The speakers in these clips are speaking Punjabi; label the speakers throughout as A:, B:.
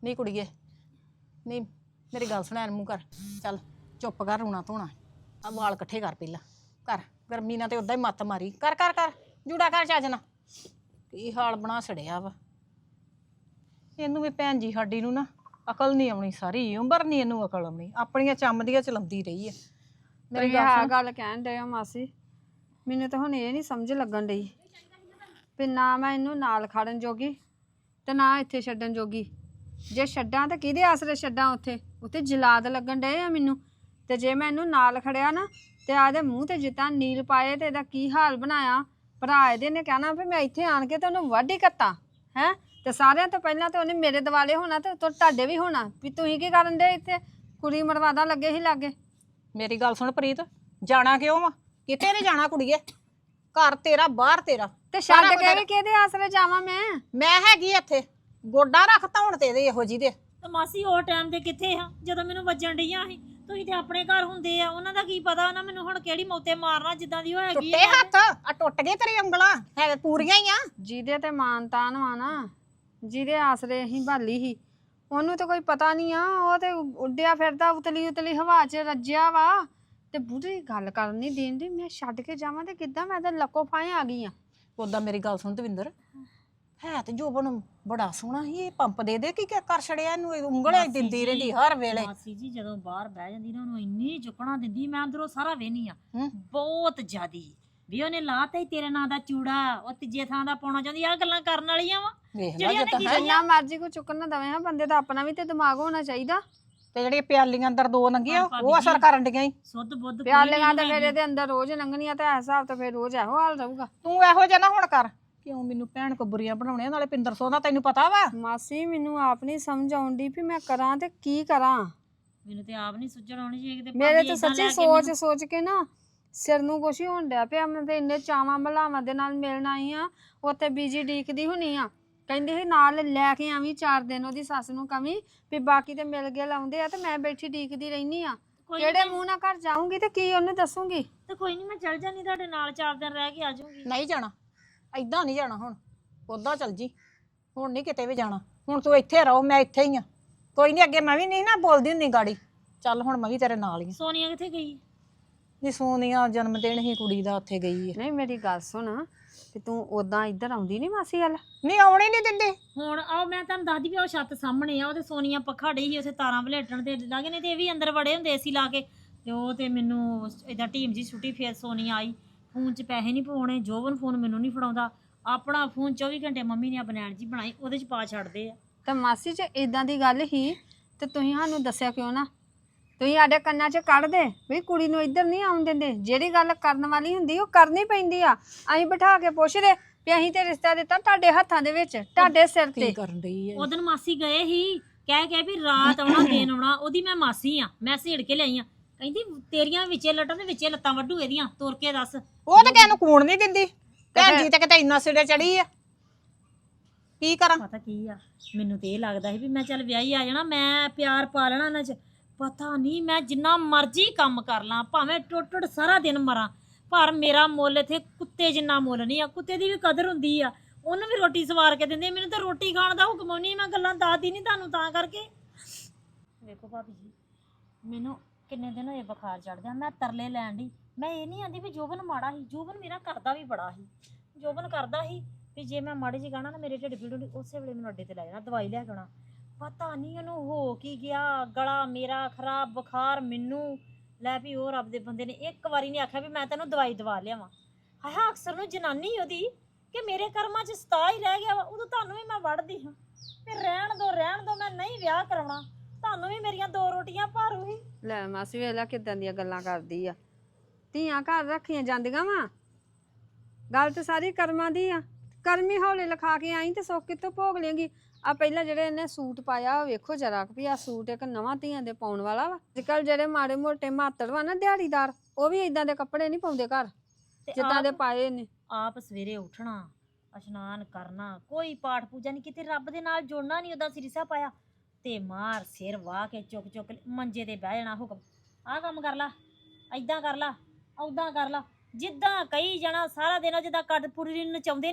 A: ਨਹੀਂ ਕੁੜੀਏ ਨਹੀਂ ਮੇਰੀ ਗੱਲ ਸੁਣ, ਮੂੰਹ ਕਰ, ਚੱਲ ਚੁੱਪ ਕਰ, ਰੋਣਾ ਧੋਣਾ। ਆ ਵਾਲ ਇਕੱਠੇ ਕਰ ਪਹਿਲਾਂ, ਕਰ। ਗਰਮੀ ਨਾਲ ਤੇ ਉਦਾਂ ਹੀ ਮੱਤ ਮਾਰੀ। ਕਰ ਕਰ ਕਰ ਜੂੜਾ ਕਰ ਚੱਜ ਨਾਲ। ਕੀ ਹਾਲ ਬਣਾ ਛੜਿਆ ਵਾ ਇਹਨੂੰ ਵੀ। ਭੈਣ ਜੀ ਸਾਡੀ ਨੂੰ ਨਾ ਅਕਲ ਨਹੀਂ ਆਉਣੀ, ਸਾਰੀ ਉਮਰ ਨਹੀਂ ਇਹਨੂੰ ਅਕਲ ਆਉਣੀ। ਆਪਣੀਆਂ ਚੰਮਦੀਆਂ ਚਲਾਉਂਦੀ ਰਹੀ ਹੈ।
B: ਮੇਰੀ ਆਹ ਗੱਲ ਕਹਿਣ ਡਏ ਹੋ ਮਾਸੀ, ਮੈਨੂੰ ਤਾਂ ਹੁਣ ਇਹ ਨਹੀਂ ਸਮਝ ਲੱਗਣ ਡਈ ਵੀ ਨਾ ਮੈਂ ਇਹਨੂੰ ਨਾਲ ਖੜਨ ਜੋਗੀ ਤੇ ਨਾ ਇੱਥੇ ਛੱਡਣ ਜੋਗੀ। ਜੇ ਛੱਡਾਂ ਤਾਂ ਕਿਹਦੇ ਆਸਰੇ ਛੱਡਾਂ? ਉੱਥੇ ਜਲਾਦ ਲੱਗਣ ਡਏ ਆ ਮੈਨੂੰ। ਤੇ ਜੇ ਮੈਂ ਇਹਨੂੰ ਨਾਲ ਖੜਿਆ ਨਾ ਤੇ ਆਦੇ ਮੂੰਹ ਤੇ ਜਿੱਦਾਂ ਨੀਲ ਪਾਏ ਤੇ ਇਹਦਾ ਕੀ ਹਾਲ ਬਣਾਇਆ। ਭਰਾ ਇਹਦੇ ਨੇ ਕਹਿਣਾ ਵੀ ਮੈਂ ਇੱਥੇ ਆਣ ਕੇ ਤੇ ਉਹਨੂੰ ਵਾਢੀ ਕੱਤਾ ਹੈ। ਤੇ ਸਾਰਿਆਂ ਤੋਂ ਪਹਿਲਾਂ ਤੇ ਉਹਨੇ ਮੇਰੇ ਦਿਵਾਲੇ ਹੋਣਾ ਤੇ ਤੁਹਾਡੇ ਵੀ ਹੋਣਾ ਵੀ ਤੁਸੀਂ ਕੀ ਕਰਨ ਦੇ ਇੱਥੇ ਕੁੜੀ ਮਰਵਾਦਾ ਲੱਗੇ ਹੀ ਲਾਗੇ।
A: ਮੇਰੀ ਗੱਲ ਸੁਣ ਪ੍ਰੀਤ, ਜਾਣਾ ਕਿਉਂ ਵਾ? ਕਿਤੇ ਨਹੀਂ ਜਾਣਾ ਕੁੜੀਏ। ਘਰ ਤੇਰਾ, ਬਾਹਰ ਤੇਰਾ।
B: ਤੇ ਛੱਡ ਕੇ ਵੀ ਕਿਹਦੇ ਆਸਰੇ ਜਾਵਾਂ
A: ਮੈਂ ਹੈਗੀ ਇੱਥੇ। ਗੋਡਾ ਰੱਖ ਧੌਣ ਤੇ ਇਹਦੇ ਇਹੋ ਜੀ ਦੇ।
C: ਤੇ ਮਾਸੀ ਉਹ ਟਾਈਮ ਤੇ ਕਿੱਥੇ ਆ ਜਦੋਂ ਮੈਨੂੰ ਵੱਜਣ ਡਈਆਂ ਸੀ? ਤੁਸੀਂ ਤੇ ਆਪਣੇ ਘਰ ਹੁੰਦੇ ਆ, ਉਹਨਾਂ ਦਾ ਕੀ ਪਤਾ ਉਹਨਾਂ ਮੈਨੂੰ ਹੁਣ ਕਿਹੜੀ ਮੌਤੇ ਮਾਰਨਾ ਜਿੱਦਾਂ ਦੀ ਹੋਏਗੀ।
A: ਟੁੱਟੇ ਹੱਥ ਆ, ਟੁੱਟ ਗਏ ਤੇਰੀ ਉਂਗਲਾਂ, ਹੈ ਪੂਰੀਆਂ ਹੀ ਆ।
B: ਜਿਹਦੇ ਤੇ ਮਾਨ ਤਾਨ ਵਾ ਨਾ, ਜਿਹਦੇ ਆਸਰੇ ਅਸੀਂ ਭਾਲੀ ਸੀ, ਉਹਨੂੰ ਤਾਂ ਕੋਈ ਪਤਾ ਨਹੀਂ ਆ। ਉਹ ਤੇ ਉੱਡਿਆ ਫਿਰਦਾ ਉਤਲੀ ਉਤਲੀ ਹਵਾ 'ਚ ਰੱਜਿਆ ਵਾ। ਤੇ ਬੁੱਢੀ ਗੱਲ ਕਰਨ ਨਹੀਂ ਦੇਂਦੀ। ਮੈਂ ਛੱਡ ਕੇ ਜਾਵਾਂ ਤੇ ਕਿੱਦਾਂ? ਮੈਂ ਤਾਂ ਲੱਕੋ ਫਾਏ ਆ ਗਈ ਆ।
A: ਉਦਾਂ ਮੇਰੀ ਗੱਲ ਸੁਣ ਦਵਿੰਦਰ, ਹੈ ਤੇ ਜੋਬਨ ਬੜਾ ਸੋਹਣਾ ਸੀ। ਇਹ ਪੰਪ ਦੇ ਕੀ ਕਰ ਛੜਿਆ ਇਹਨੂੰ? ਉਂਗਲਾਂ ਦਿੰਦੀ ਰਹਿੰਦੀ ਹਰ ਵੇਲੇ।
C: ਮਾਸੀ ਜੀ ਜਦੋਂ ਬਾਹਰ ਬਹਿ ਜਾਂਦੀ ਨਾ ਉਹਨੂੰ ਇੰਨੀ ਚੁੱਕਣਾ ਦਿੰਦੀ, ਮੈਂ ਅੰਦਰੋਂ ਸਾਰਾ ਵੇਹਨੀ ਆ ਬਹੁਤ ਜ਼ਿਆਦੀ। ਵੀ ਉਹਨੇ ਲਾਤਾ ਹੀ ਤੇਰੇ ਨਾਂ ਦਾ ਚੂੜਾ, ਉਹ ਤੀਜੇ ਥਾਂ ਦਾ ਪਾਉਣਾ ਚਾਹੁੰਦੀ। ਆ ਗੱਲਾਂ ਕਰਨ ਵਾਲੀਆਂ ਵਾ
B: ਜਿੰਨਾ ਮਰਜ਼ੀ ਕੋਈ ਚੁੱਕਣ ਨਾ ਦਵੇ। ਹਾਂ ਬੰਦੇ ਦਾ ਆਪਣਾ ਵੀ ਤੇ ਦਿਮਾਗ ਹੋਣਾ ਚਾਹੀਦਾ।
A: ਤੇ ਜਿਹੜੀਆਂ ਪਿਆਲੀਆਂ ਅੰਦਰ ਦੋ ਲੰਘੀਆਂ ਉਹ ਅਸਰ ਕਰਨ ਡੀਆਂ ਹੀ।
C: ਸੁੱਧ ਬੁੱਧ
B: ਪਿਆਲੀਆਂ ਤੇ ਫਿਰ ਇਹਦੇ ਅੰਦਰ ਰੋਜ਼ ਲੰਘਣੀਆਂ ਤੇ ਹਿਸਾਬ ਤੇ ਫਿਰ ਰੋਜ਼ ਇਹੋ ਹਾਲ ਰਹੂਗਾ।
A: ਤੂੰ ਇਹੋ ਜਿਹਾ ਨਾ ਹੁਣ ਕਰ। ਕਿਉਂ ਮੈਨੂੰ ਭੈਣ ਕੋ ਬੁਰੀਆਂ ਬਣਾਉਣੀਆਂ? ਨਾਲੇ ਪਿੰਦਰ ਸੋਹ ਦਾ ਤੈਨੂੰ ਪਤਾ ਵਾ।
B: ਮਾਸੀ ਮੈਨੂੰ ਆਪ ਨਹੀਂ ਸਮਝ ਆਉਂਦੀ ਵੀ ਮੈਂ ਕਰਾਂ ਤੇ ਕੀ ਕਰਾਂ।
C: ਮੈਨੂੰ ਤੇ ਆਪ ਨਹੀਂ ਸੁਝਣ ਆਉਣੀ ਜੇ ਕਿਤੇ
B: ਮੇਰੇ ਤੇ ਸੱਚੀ ਸੋਚ ਕੇ ਨਾ ਸਿਰ ਨੂੰ ਕੁਛ ਹੀ ਹੋਣ ਡਿਆ ਪਿਆ। ਮੈਂ ਤੇ ਇੰਨੇ ਚਾਵਾਂ ਮਲਾਵਾਂ ਦੇ ਨਾਲ ਮਿਲਣ ਆਈ ਆ। ਉੱਥੇ ਬੀਜੀ ਡੀਕਦੀ ਹੁਣੀ ਆ, ਕਹਿੰਦੀ ਸੀ ਨਾਲ ਲੈ ਕੇ ਆਵੀਂ 4 ਦਿਨ। ਉਹਦੀ ਸੱਸ ਨੂੰ ਕਵੀਂ ਵੀ ਬਾਕੀ ਤੇ ਮਿਲ ਗਏ ਲਾਉਂਦੇ ਆ ਤੇ ਮੈਂ ਬੈਠੀ ਡੀਕਦੀ ਰਹਿਨੀ ਆ। ਕਿਹੜੇ ਮੂੰਹ ਨਾਲ ਘਰ ਜਾਊਂਗੀ ਤੇ ਕੀ ਉਹਨੂੰ ਦੱਸੂਗੀ?
C: ਤੇ ਕੋਈ ਨਹੀਂ, ਮੈਂ ਚੱਲ ਜਾਨੀ ਤੁਹਾਡੇ ਨਾਲ 4 ਦਿਨ ਰਹਿ ਕੇ ਆ ਜਾਊਂਗੀ।
A: ਨਹੀਂ ਜਾਣਾ, ਏਦਾਂ ਨਹੀਂ ਜਾਣਾ। ਹੁਣ ਉੱਦਾਂ ਚੱਲ ਜੀ, ਹੁਣ ਨਹੀਂ ਕਿਤੇ ਵੀ ਜਾਣਾ। ਹੁਣ ਤੂੰ ਇੱਥੇ ਰਹੋ, ਮੈਂ ਇੱਥੇ ਹੀ ਆ। ਕੋਈ ਨਹੀਂ, ਅੱਗੇ ਮੈਂ ਵੀ ਨਹੀਂ ਨਾ ਬੋਲਦੀ ਹੁੰਦੀ ਗਾੜੀ। ਚੱਲ ਹੁਣ ਮੈਂ ਵੀ ਤੇਰੇ ਨਾਲ ਹੀ।
C: ਸੋਨੀਆ ਕਿੱਥੇ ਗਈ?
A: ਨੀ ਸੋਨੀਆ ਜਨਮ ਦਿਨ ਹੀ ਕੁੜੀ ਦਾ, ਉੱਥੇ ਗਈ ਹੈ।
B: ਨਹੀਂ ਮੇਰੀ ਗੱਲ ਸੁਣ, ਤੇ ਤੂੰ ਉਦਾਂ ਇੱਧਰ ਆਉਂਦੀ ਨਹੀਂ ਮਾਸੀ ਵੱਲ?
A: ਨਹੀਂ ਆਉਣੀ ਨਹੀਂ ਦਿੰਦੇ।
C: ਹੁਣ ਆਓ ਮੈਂ ਤੁਹਾਨੂੰ ਦੱਸਦੀ ਵੀ ਉਹ ਛੱਤ ਸਾਹਮਣੇ ਆ। ਉਹ ਤੇ ਸੋਨੀਆ ਪੱਖਾ ਡਈ ਸੀ ਉੱਥੇ ਤਾਰਾਂ ਵਲੇਟਣ ਤੇ ਲੱਗੇ ਨੇ ਤੇ ਇਹ ਵੀ ਅੰਦਰ ਵੜੇ ਹੁੰਦੇ ਏਸੀ ਲਾ ਕੇ। ਤੇ ਉਹ ਤੇ ਮੈਨੂੰ ਏਦਾਂ ਟੀਮ ਜੀ ਛੁੱਟੀ। ਫੇਰ ਸੋਨੀਆ ਆਈ, ਫੋਨ 'ਚ ਪੈਸੇ ਨਹੀਂ ਪਾਉਣੇ। ਜੋਬਨ ਫੋਨ ਮੈਨੂੰ ਨਹੀਂ ਫੜਾਉਂਦਾ। ਆਪਣਾ ਫੋਨ 24 ਘੰਟੇ ਮੰਮੀ ਨੇ ਬਨੈਣ ਜੀ ਬਣਾਈ, ਉਹਦੇ 'ਚ ਪਾ ਛੱਡਦੇ ਆ।
B: ਤਾਂ ਮਾਸੀ ਜੇ ਇਦਾਂ ਦੀ ਗੱਲ ਹੀ ਤੇ ਤੁਸੀਂ ਸਾਨੂੰ ਦੱਸਿਆ ਕਿਉਂ ਨਾ? ਤੁਸੀਂ ਸਾਡੇ ਕੰਨਾਂ 'ਚ ਕੱਢ ਦੇ ਵੀ ਕੁੜੀ ਨੂੰ ਇੱਧਰ ਨਹੀਂ ਆਉਣ ਦਿੰਦੇ। ਜਿਹੜੀ ਗੱਲ ਕਰਨ ਵਾਲੀ ਹੁੰਦੀ ਉਹ ਕਰਨੀ ਪੈਂਦੀ ਆ। ਅਸੀਂ ਬਿਠਾ ਕੇ ਪੁੱਛਦੇ ਵੀ ਅਸੀਂ ਤੇ ਰਿਸ਼ਤਾ ਦਿੱਤਾ ਤੁਹਾਡੇ ਹੱਥਾਂ ਦੇ ਵਿੱਚ, ਤੁਹਾਡੇ ਸਿਰ ਤੇ।
A: ਕਰਨ ਡਈ ਹੈ
C: ਉਦੋਂ ਮਾਸੀ ਗਏ ਹੀ ਕਹਿ ਵੀ ਰਾਤ ਆਉਣਾ ਦਿਨ ਆਉਣਾ। ਉਹਦੀ ਮੈਂ ਮਾਸੀ ਆ, ਮੈਂ ਸੇੜ ਕੇ ਲਈ ਆ। ਕਹਿੰਦੀ ਤੇਰੀਆਂ ਵਿੱਚੇ ਲੱਟਾਂ ਦੇ ਵਿੱਚੇ ਲੱਤਾਂ ਵੱਢੂ ਇਹਦੀਆਂ, ਤੁਰ ਕੇ ਦੱਸ।
A: ਉਹ ਤਾਂ ਕਿਸੇ ਨੂੰ ਕੂਣ ਨਹੀਂ ਦਿੰਦੀ। ਭੈਣ ਜੀ ਤੇ ਕਿਤੇ ਇੰਨਾ ਸਿਰੇ ਚੜੀ ਆ। ਕੀ ਕਰਾਂ?
C: ਪਤਾ ਕੀ ਆ, ਮੈਨੂੰ ਤੇ ਇਹ ਲੱਗਦਾ ਸੀ ਵੀ ਮੈਂ ਚੱਲ ਵਿਆਹੀ ਆ ਜਾਣਾ, ਮੈਂ ਪਿਆਰ ਪਾ ਲੈਣਾ ਇਹਨਾਂ 'ਚ। ਪਤਾ ਨਹੀਂ ਮੈਂ ਜਿੰਨਾ ਮਰਜ਼ੀ ਕੰਮ ਕਰ ਲਾਂ, ਭਾਵੇਂ ਟੁੱਟ ਸਾਰਾ ਦਿਨ ਮਰਾਂ, ਪਰ ਮੇਰਾ ਮੁੱਲ ਇੱਥੇ ਕੁੱਤੇ ਜਿੰਨਾ ਮੁੱਲ ਨਹੀਂ ਆ। ਕੁੱਤੇ ਦੀ ਵੀ ਕਦਰ ਹੁੰਦੀ ਆ, ਉਹਨੂੰ ਵੀ ਰੋਟੀ ਸਵਾਰ ਕੇ ਦਿੰਦੇ। ਮੈਨੂੰ ਤਾਂ ਰੋਟੀ ਖਾਣ ਦਾ ਹੁਕਮ ਨਹੀਂ। ਮੈਂ ਗੱਲਾਂ ਦੱਸਦੀ ਨਹੀਂ ਤੁਹਾਨੂੰ ਤਾਂ ਕਰਕੇ। ਵੇਖੋ ਭਾਬੀ ਜੀ, ਮੈਨੂੰ ਕਿੰਨੇ ਦਿਨ ਹੋਏ ਬੁਖਾਰ ਚੜ੍ਹਦਿਆਂ। ਮੈਂ ਤਰਲੇ ਲੈਣ ਦੀ। ਮੈਂ ਇਹ ਨਹੀਂ ਆਂਦੀ ਵੀ ਜੋਬਨ ਮਾੜਾ ਸੀ। ਜੋਬਨ ਮੇਰਾ ਕਰਦਾ ਵੀ ਬੜਾ ਸੀ। ਜੋਬਨ ਕਰਦਾ ਸੀ ਵੀ ਜੇ ਮੈਂ ਮਾੜੀ ਜਿਹੀ ਗਾਣਾ ਨਾ ਮੇਰੇ ਢਿੱਡ ਪੀੜ ਹੁੰਦੀ, ਉਸੇ ਵੇਲੇ ਮੈਨੂੰ ਅੱਡੇ ਤੇ ਲੈ ਜਾਣਾ, ਦਵਾਈ ਲੈ ਕੇ ਆਉਣਾ। ਪਤਾ ਨਹੀਂ ਉਹਨੂੰ ਹੋ ਕੀ ਗਿਆ, ਗਲਾ ਮੇਰਾ ਖਰਾਬ, ਬੁਖਾਰ ਮੈਨੂੰ। ਲੈ ਵੀ ਉਹ ਰੱਬ ਦੇ ਬੰਦੇ ਨੇ ਇੱਕ ਵਾਰੀ ਨਹੀਂ ਆਖਿਆ ਵੀ ਮੈਂ ਤੈਨੂੰ ਦਵਾਈ ਦਵਾ ਲਿਆਵਾਂ। ਹਾਂ ਅਕਸਰ ਨੂੰ ਜਨਾਨੀ ਉਹਦੀ ਕਿ ਮੇਰੇ ਕਰਮਾਂ 'ਚ ਸਤਾ ਹੀ ਰਹਿ ਗਿਆ ਵਾ। ਉਦੋਂ ਤੁਹਾਨੂੰ ਵੀ ਮੈਂ ਵੜਦੀ ਹਾਂ ਵੀ ਰਹਿਣ ਦੋ, ਮੈਂ ਨਹੀਂ ਵਿਆਹ ਕਰਾਉਣਾ। ਤੁਹਾਨੂੰ ਵੀ ਮੇਰੀਆਂ 2 ਰੋਟੀਆਂ ਭਾਰੂ ਹੀ।
B: ਲੈ ਮਾਸੀ ਵੇਲਾ ਕਿਦਾਂ ਦੀਆਂ ਗੱਲਾਂ ਕਰਦੀ ਆ। ਧੀਆਂ ਘਰ ਰੱਖੀਆਂ ਜਾਂਦੀਆਂ ਵਾ। ਗੱਲ ਤੇ ਸਾਰੀ ਕਰਮਾਂ ਦੀ ਆ। ਕਰਮੀ ਹੌਲੇ ਲਿਖਾ ਕੇ ਆਈ ਤੇ ਸੁੱਖ ਕਿੱਥੋਂ ਭੋਗ ਲੇਂਗੀ? ਆ ਪਹਿਲਾਂ ਜਿਹੜੇ ਇਹਨੇ ਸੂਟ ਪਾਇਆ ਉਹ ਵੇਖੋ ਜਰਾ ਵੀ ਆ ਸੂਟ ਇੱਕ ਨਵਾਂ ਧੀਆਂ ਦੇ ਪਾਉਣ ਵਾਲਾ ਵਾ। ਅੱਜ ਕੱਲ ਜਿਹੜੇ ਮਾੜੇ ਮੋਟੇ ਮਾਤੜ ਵਾ ਨਾ ਦਿਹਾੜੀਦਾਰ, ਉਹ ਵੀ ਇਦਾਂ ਦੇ ਕੱਪੜੇ ਨਹੀਂ ਪਾਉਂਦੇ ਘਰ ਜਿੱਦਾਂ ਦੇ ਪਾਏ ਨੇ।
C: ਆਪ ਸਵੇਰੇ ਉੱਠਣਾ, ਇਸ਼ਨਾਨ ਕਰਨਾ, ਕੋਈ ਪਾਠ ਪੂਜਾ ਨਹੀਂ, ਕਿਤੇ ਰੱਬ ਦੇ ਨਾਲ ਜੁੜਨਾ ਨਹੀਂ। ਉਹਦਾ ਸਿਰਸਾ ਪਾਇਆ ਤੇ ਮਾਰ ਸਿਰ ਵਾਹ ਕੇ ਚੁੱਕ ਮੰਜੇ ਤੇ ਬਹਿ ਜਾਣਾ। ਹੁਕਮ ਆਹ ਕੰਮ ਕਰ ਲਾ, ਏਦਾਂ ਕਰ ਲਾ, ਓਦਾਂ ਕਰ ਲਾ, ਜਿੱਦਾਂ ਕਹੀ ਜਾਣਾ ਸਾਰਾ ਦਿਨ। ਜਿੱਦਾਂ ਕੱਟ ਪੂਰੀ ਨਚਾਉਂਦੇ ਨਹੀਂ ਆ,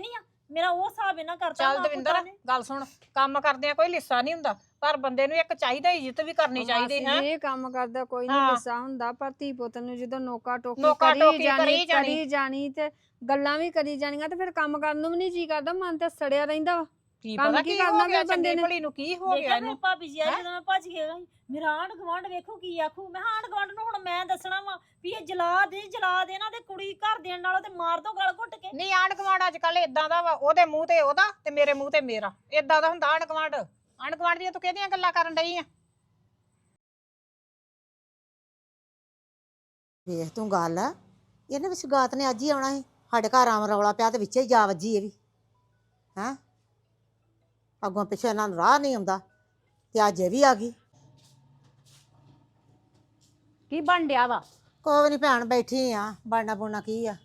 C: ਮੇਰਾ ਉਹ ਹਿਸਾਬ ਇਹਨਾਂ ਕਰਤਾ
A: ਚੱਲ
C: ਮਾਂ
A: ਦਵਿੰਦਰ
C: ਪੁੱਤਾਂ ਨੇ।
A: ਗੱਲ ਸੁਣ, ਕੰਮ ਕਰਦਿਆਂ ਕੋਈ ਲਿੱਸਾ ਨਹੀਂ ਹੁੰਦਾ, ਪਰ ਬੰਦੇ ਨੂੰ ਇੱਕ ਚਾਹੀਦਾ ਇੱਜ਼ਤ ਵੀ ਕਰਨੀ ਚਾਹੀਦੀ ਹੈ।
B: ਇਹ ਕੰਮ ਕਰਦਾ ਕੋਈ ਨਹੀਂ
A: ਹਾਂ।
B: ਲਿੱਸਾ ਹੁੰਦਾ, ਪਰ ਧੀ ਪੁੱਤ ਨੂੰ ਜਦੋਂ ਨੋਕਾ ਟੋਕੀ
A: ਨੋਕਾ ਟੋਕੀ
B: ਕਰੀ ਜਾਣੀ ਤੇ ਗੱਲਾਂ ਵੀ ਕਰੀ ਜਾਣੀਆਂ ਤੇ ਫਿਰ ਕੰਮ ਕਰਨ ਨੂੰ ਵੀ ਨਹੀਂ ਜੀ ਕਰਦਾ, ਮਨ ਤੇ ਸੜਿਆ ਰਹਿੰਦਾ ਵਾ।
A: ਕੀ
B: ਕੰਮ
A: ਪਤਾ
B: ਕੀ
A: ਕੀ
B: ਕਰਨਾ
A: ਹੋ ਗਿਆ
B: ਫਿਰ ਬੰਦੇ
A: ਚੰਗੀ
B: ਨੇ?
A: ਭਲੀ ਨੂੰ, ਕੀ ਹੋ
C: ਦੇਖਿਆ
A: ਗਿਆ
C: ਫਿਰ
A: ਇਹਨੂੰ।
C: ਭਾਬੀ ਜੀ ਆ ਜਦੋਂ ਮੈਂ ਭੱਜ ਕੇ ਗਈ ਮੇਰਾ ਆਂਢ ਗੁਆਂਢ ਵੇਖੋ ਕੀ ਆਖੂ। ਮੈਂ ਆਂਢ ਗੁਆਂਢ ਨੂੰ ਹੁਣ ਮੈਂ ਦੱਸਣਾ ਵਾ ਵੀ ਇਹ ਜਲਾ ਦੇ ਇਹਨਾਂ ਦੇ ਕੁੜੀ ਘਰ ਦੇਣ ਨਾਲੋਂ ਤੇ ਮਾਰ ਦੋ ਗਲ ਘੁੱਟ ਕੇ।
A: ਨਹੀਂ ਆਂਢ ਗੁਆਂਢ ਅੱਜ ਕੱਲ ਇਦਾਂ ਦਾ ਵਾ, ਉਹਦੇ ਮੂੰਹ ਤੇ ਉਹਦਾ ਤੇ ਮੇਰੇ ਮੂੰਹ ਤੇ ਮੇਰਾ, ਇਦਾਂ ਦਾ ਹੁੰਦਾ ਆਂਢ ਗੁਆਂਢ। ਆਂਢ ਗੁਆਂਢ ਦੀਆਂ ਤੂੰ ਕਿਹਦੀਆਂ ਗੱਲਾਂ ਕਰਨ ਡਈ ਆ?
D: ਵੇਖ ਤੂੰ ਗੱਲ ਇਹਨੇ ਵੀ ਸਗਾਤ ਨੇ ਅੱਜ ਹੀ ਆਉਣਾ ਸੀ, ਸਾਡੇ ਘਰ ਆਮ ਰੌਲਾ ਪਿਆ ਤੇ ਵਿੱਚੇ ਹੀ ਜਾ ਵੱਜੀ ਇਹ ਵੀ ਹੈਂ। ਅੱਗੋਂ ਪਿੱਛੇ ਇਹਨਾਂ ਨੂੰ ਰਾਹ ਨਹੀਂ ਆਉਂਦਾ ਤੇ ਅੱਜ ਇਹ ਵੀ ਆ ਗਈ।
A: ਕੀ ਬਣ ਡਿਆ ਵਾ?
D: ਕੋਈ ਨਹੀਂ ਭੈਣ, ਬੈਠੀ ਆ, ਬਣਨਾ ਬੁਣਨਾ ਕੀ ਆ।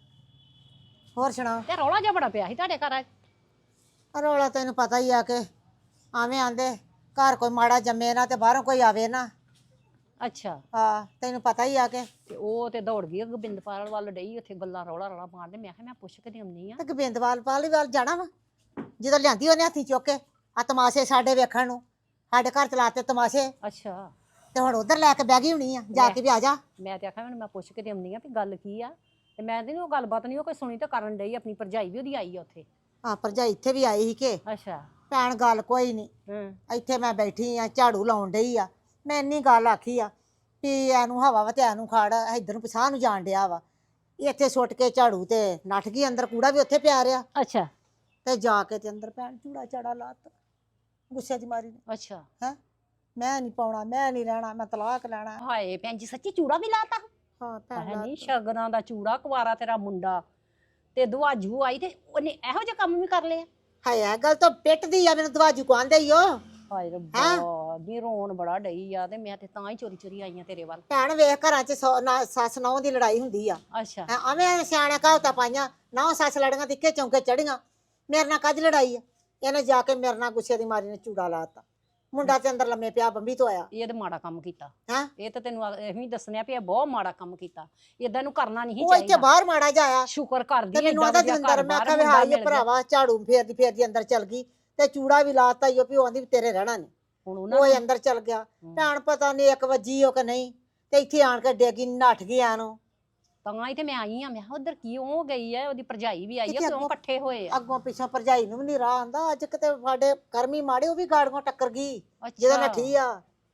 D: ਹੋਰ ਸੁਣਾਓ?
A: ਤੇ ਰੌਲਾ ਜਿਹਾ ਬੜਾ ਪਿਆ ਸੀ ਤੁਹਾਡੇ ਘਰ ਅੱਜ।
D: ਰੌਲਾ ਤੈਨੂੰ ਪਤਾ ਹੀ ਆ ਕਿ ਆਵੇਂ ਆਂਦੇ ਘਰ ਕੋਈ ਮਾੜਾ ਜੰਮੇ ਨਾ ਤੇ ਬਾਹਰੋਂ ਕੋਈ ਆਵੇ ਨਾ।
A: ਅੱਛਾ,
D: ਹਾਂ ਤੈਨੂੰ ਪਤਾ ਹੀ ਆ ਕਿ
A: ਤੇ ਉਹ ਤੇ ਦੌੜ ਗਈ ਗੋਬਿੰਦਪਾਲ ਵੱਲ ਡਈ ਉੱਥੇ ਗੱਲਾਂ ਰੌਲਾ ਮਾਰਦੇ। ਮੈਂ ਕਿਹਾ ਮੈਂ ਪੁੱਛ ਕੇ ਆਉਂਦੀ ਆ।
D: ਤੇ ਗੋਬਿੰਦਵਾਲ ਪਾਲੀ ਵੱਲ ਜਾਣਾ ਵਾ, ਜਦੋਂ ਲਿਆਂਦੀ ਉਹਨੇ ਹੱਥੀ ਚੁੱਕ ਕੇ ਆ ਤਮਾਸ਼ੇ ਸਾਡੇ ਵੇਖਣ ਨੂੰ, ਸਾਡੇ ਘਰ ਚਲਾਤੇ ਤਮਾਸ਼ੇ,
A: ਅੱਛਾ,
D: ਤੇ ਹੁਣ ਉਧਰ ਲੈ ਕੇ ਬਹਿ ਗਈ ਹੋਣੀ ਆ, ਜਾ ਕੇ ਵੀ ਆ ਜਾ।
A: ਮੈਂ ਤੇ ਆਖਿਆ ਮੈਨੂੰ ਮੈਂ ਪੁੱਛ ਕੇ ਆਉਂਦੀ ਆ ਵੀ ਗੱਲ ਕੀ ਆ। ਤੇ ਮੈਂ ਤੇ ਉਹ ਗੱਲਬਾਤ ਨਹੀਂ ਉਹ ਕੋਈ ਸੁਣੀ ਤੇ ਕਰਨ ਡਈ। ਆਪਣੀ ਭਰਜਾਈ ਵੀ ਉਹਦੀ ਆਈ ਆ ਉੱਥੇ।
D: ਹਾਂ ਭਰਜਾਈ ਇੱਥੇ ਵੀ ਆਈ ਸੀ ਕਿ
A: ਅੱਛਾ,
D: ਭੈਣ ਗੱਲ ਕੋਈ ਨਹੀਂ, ਇੱਥੇ ਮੈਂ ਬੈਠੀ ਆ ਝਾੜੂ ਲਾਉਣ ਡਈ ਆ, ਮੈਂ ਇੰਨੀ ਗੱਲ ਆਖੀ ਆ ਵੀ ਇਹਨੂੰ ਹਵਾ ਵਾ ਤੇ ਇਹਨੂੰ ਖਾੜ, ਇੱਧਰ ਨੂੰ ਪਿਛਾਂਹ ਨੂੰ ਜਾਣ ਡਿਆ ਵਾ। ਇੱਥੇ ਸੁੱਟ ਕੇ ਝਾੜੂ ਤੇ ਨੱਠ ਗਈ ਅੰਦਰ, ਕੂੜਾ ਵੀ ਉੱਥੇ ਪਿਆ ਰਿਹਾ।
A: ਅੱਛਾ,
D: ਤੇ ਜਾ ਕੇ ਤੇ ਅੰਦਰ ਭੈਣ ਚੂੜਾ ਚਾੜਾ ਲਾਤਾ ਗੁੱਸੇ ਦੀ ਮਾਰੀ ਨੇ।
A: ਅੱਛਾ।
D: ਹੈ ਮੈਂ ਨਹੀਂ ਪਾਉਣਾ, ਮੈਂ ਨਹੀਂ ਰਹਿਣਾ, ਮੈਂ ਤਲਾਕ ਲੈਣਾ।
A: ਹਾਏ ਭੈਣ ਜੀ ਸੱਚੀ ਚੂੜਾ ਵੀ ਲਾਤਾ?
D: ਹਾਂ ਭੈਣ
A: ਹੈ ਨਹੀਂ
D: ਲਾਤਾ।
A: ਸ਼ਗਨਾਂ ਦਾ ਚੂੜਾ, ਕੁਵਾਰਾ ਤੇਰਾ ਮੁੰਡਾ ਤੇ ਦੁਆਜੂ ਆਈ ਤੇ ਉਹਨੇ ਇਹੋ ਜਿਹਾ ਕੰਮ ਵੀ ਕਰ ਲਿਆ।
D: ਹਾਏ ਇਹ ਗੱਲ ਤਾਂ ਪਿੱਟਦੀ ਆ ਮੈਨੂੰ, ਦਵਾਜੂ ਕਹਿੰਦੇ ਹੀ ਉਹ।
A: ਹਾਏ ਰੱਬਾ, ਨੀ ਰੋਣ ਬੜਾ ਡਈ ਆ ਤੇ ਮੈਂ ਤੇ ਤਾਂ ਹੀ ਚੋਰੀ ਚੋਰੀ ਆਈ ਆ ਤੇਰੇ ਵੱਲ।
D: ਭੈਣ ਵੇਖ ਘਰਾਂ 'ਚ ਸੱਸ ਨੌਂ ਦੀ ਲੜਾਈ ਹੁੰਦੀ ਆ।
A: ਅੱਛਾ,
D: ਐਵੇਂ ਸਿਆਣੇ ਕਹਾਵਤਾਂ ਪਾਈਆਂ, ਨੌ ਸੱਸ ਲੜੀਆਂ ਤੇ ਇੱਕੇ ਚੌਂਕੇ ਚੜੀਆਂ। ਮੇਰੇ ਨਾਲ ਕੱਜ ਲੜਾਈ ਆ, ਇਹਨੇ ਜਾ ਕੇ ਮੇਰੇ ਨਾਲ ਗੁੱਸੇ ਦੀ ਮਾਰੀ ਨੇ ਚੂੜਾ ਲਾਤਾ। ਮੁੰਡਾ ਤੇ ਅੰਦਰ ਲੰਮੇ ਪਿਆ, ਬੰਬੀ ਤੋਂ ਆਇਆ।
A: ਇਹ ਤੇ ਮਾੜਾ ਕੰਮ ਕੀਤਾ।
D: ਹੈਂ?
A: ਇਹ ਤਾਂ ਤੈਨੂੰ ਐਵੇਂ ਦੱਸਣਿਆ ਵੀ ਇਹ ਬਹੁਤ ਮਾੜਾ ਕੰਮ ਕੀਤਾ। ਏਦਾਂ ਨੂੰ ਕਰਨਾ ਨਹੀਂ
D: ਉਹ ਇੱਥੇ
A: ਚਾਹੀਦਾ।
D: ਬਾਹਰ ਮਾੜਾ ਜਾਇਆ
A: ਸ਼ੁਕਰ ਕਰਦੀ
D: ਤੇ ਮੈਨੂੰ ਆਦਾ ਦਵਿੰਦਰ, ਮੈਂ ਕਿਹਾ ਵੀ ਹਾਏ ਭਰਾਵਾ ਝਾੜੂ ਫੇਰਦੀ ਫੇਰਦੀ ਅੰਦਰ ਚਲ ਗਈ ਤੇ ਚੂੜਾ ਵੀ ਲਾਤਾ ਈ, ਉਹ ਵੀ ਆਂਦੀ ਵੀ ਤੇਰੇ ਰਹਿਣਾ ਨਹੀਂ।
A: ਹੁਣ
D: ਉਹ ਅੰਦਰ ਚਲ ਗਿਆ। ਭੈਣ ਪਤਾ ਨਹੀਂ 1 ਵਜੀ ਉਹ ਕਿ ਨਹੀਂ, ਤੇ ਇੱਥੇ ਆਣ ਕੇ ਡੇਗੀ ਨੱਠ ਗਿਆ ਨੂੰ।
A: ਤਾਂ ਹੀ ਤੇ ਮੈਂ ਆਈ ਆ। ਮੈਂ ਕਿਹਾ ਉਧਰ ਕੀ ਉਹ ਗਈ ਹੈ, ਉਹਦੀ ਭਰਜਾਈ ਵੀ ਆਈ ਆ,
D: ਕਿੱਥੇ
A: ਕਿਉਂ ਇਕੱਠੇ ਹੋਏ ਆ?
D: ਅੱਗੋਂ ਪਿੱਛੋਂ ਭਰਜਾਈ ਨੂੰ ਵੀ ਨਹੀਂ ਰਾਹ ਆਂਦਾ। ਅੱਜ ਕਿਤੇ ਸਾਡੇ ਕਰਮੀ ਮਾੜੇ, ਉਹ ਵੀ ਗਾੜੀਆਂ ਟੱਕਰ ਗਈ ਜਦੋਂ ਨੱਠੀ ਆ।